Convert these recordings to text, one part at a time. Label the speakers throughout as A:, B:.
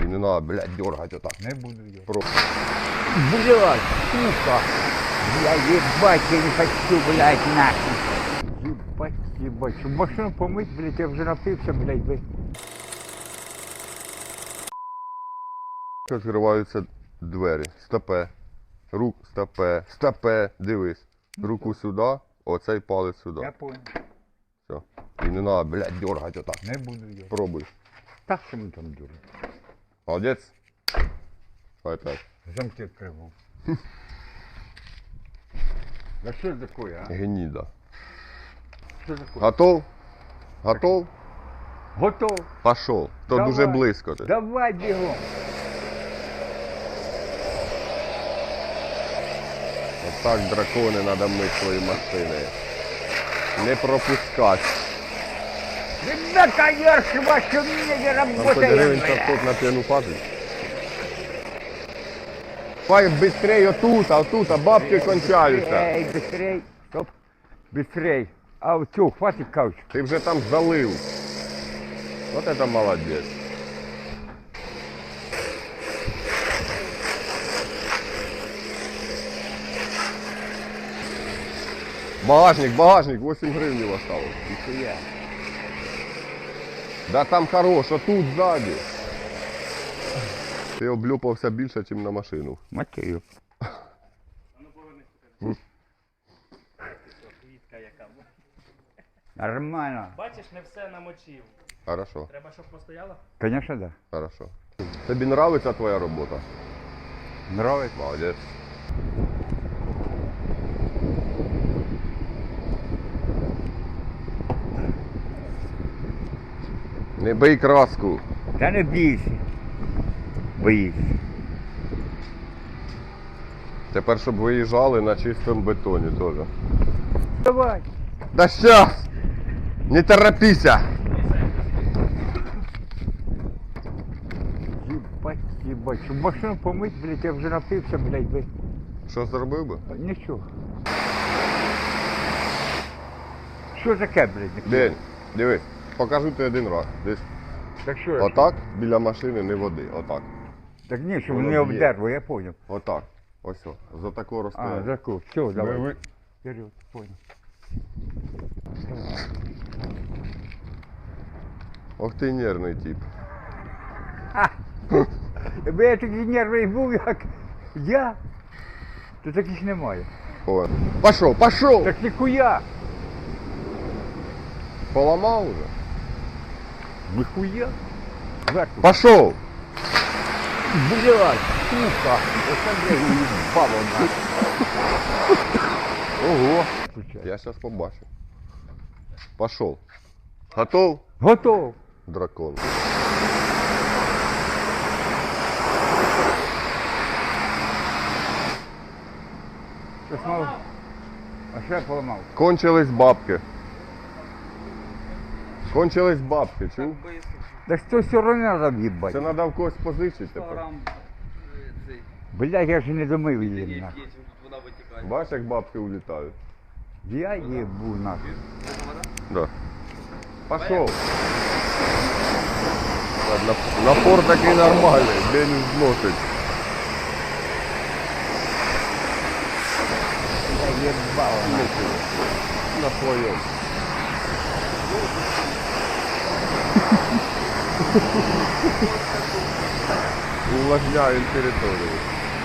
A: І не треба, блядь, дергати отак.
B: Не буду я.
C: Блядь, сука. Я ебать, я не хочу, блядь, нахуй.
B: Ебать. Щоб машину помить, блядь, я вже напився, блядь, ви.
A: Відкриваються двері. Стопе. Стопе. Дивись. Руку сюди, оцей палець сюди.
B: Я понял.
A: Все. І не треба, блядь, дергати отак.
B: Не буду я.
A: Пробуй.
B: Так, що ми там дуримо.
A: Молодець. Опять.
B: Замки відкривав. Да що це таке, а?
A: Гніда.
B: Що таке?
A: Готов? Готов?
B: Готов.
A: Пошов. То
B: Давай.
A: дуже близько ти.
B: Давай бігом.
A: Отак дракони треба мити свої машини. Не пропускати.
B: Ребята, ярше вашу не
A: Там хоч
B: работает.
A: гривень 500 на п'яну хату. Пай быстрей отут, а бабки кончаються.
B: Эй, быстрей. Стоп. Быстрей. А вот что, хватит кауч.
A: Ти вже там залив. От это молодець. Багажник, 8 гривень осталось.
B: Нихуя.
A: Да там хорош, отут ззаді. Ти облюпався більше, ніж на машину.
B: Матею.
D: Квітка яка.
B: Нормально.
D: Бачиш, не все намочив.
A: Хорошо,
D: Треба, щоб постояло?
B: Конечно, да.
A: хорошо. Тобі нравиться твоя робота?
B: Нравится.
A: Молодець. Не бий краску.
B: Да не бійся. Боїсь.
A: Тепер, щоб виїжджали на чистому бетоні теж.
B: Давай.
A: Да щас! Не торопися!
B: Ебать, ебать. Щоб машину помить, блядь, я вже напився, блядь, ви.
A: Що зробив би?
B: Нічого. Що таке, блядь?
A: День, дивись, покажу тобі один раз. Десь
B: Так що я?
A: отак біля машини не води. Отак.
B: Так ні, щоб
A: Воно
B: не
A: б'є.
B: обдерло, я понял.
A: Отак. Ось о. За такого
B: А,
A: розстояння.
B: заку. Все, давай.
A: Ви-
B: Вперед, понял.
A: Ох ти нервний тип.
B: Якби я такий нервний був, як я, то таких немає.
A: О. Пошов!
B: Так ніхуя.
A: Поламав уже?
B: Ніхуя. Зверху.
A: Пошов!
B: Блядь, сука. Оце, блядь, уїбало нахуй. Ого.
A: Я зараз побачу. Пошов. Готов?
B: Готов.
A: Дракон.
B: Щось мав. А що я поламав?
A: Кончились бабки. Кончились бабки, чув?
B: Так що все одно треба в'їбати.
A: Це треба в когось позичити тепер.
B: Блядь, я ж не домив її нахуй.
A: Бачиш, як бабки улітають?
B: Я їбу нахуй.
A: Да. Пошел. Ладно, напор такий нормальний, де не зносить.
B: Я їбав нахуй.
A: На своєму. Увлажняємо територію.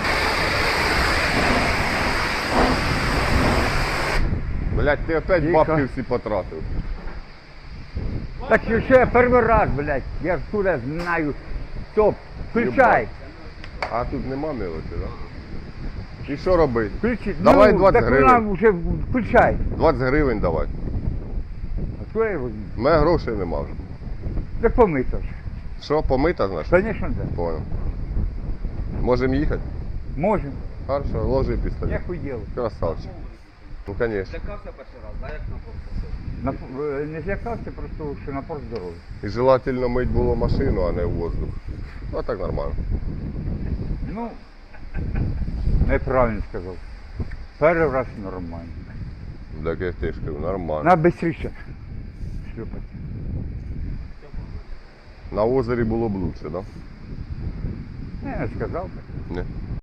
A: Блять, ти опять
B: Тихо.
A: бабки всі потратив.
B: Так що я перший раз, блядь, я ж туди знаю. Стоп, включай.
A: А тут нема мелочі, так? Да? І що робити?
B: Включи.
A: Давай
B: ну,
A: 20
B: так
A: гривень.
B: вона вже включай.
A: 20 гривень давай.
B: А що я роблю?
A: У мене грошей нема вже.
B: Так помито ж.
A: Що, помита, значить?
B: Звісно, да.
A: Понял. Можемо їхати?
B: Можемо.
A: Хорошо, ложи пістолет.
B: Я хуєв.
A: Красавчик. Ну, конечно.
D: Злякався перший раз, да, як на порт?
B: Не злякався, просто що напор здоровий.
A: І желательно мить було машину, а не в воздух. Ну, а так нормально.
B: Ну, неправильно сказав. Перший раз нормально.
A: Так як ти ж кажу, нормально.
B: На бистріше. Шлюпати.
A: На озері було б лучше, да?
B: Не сказав би.
A: Не.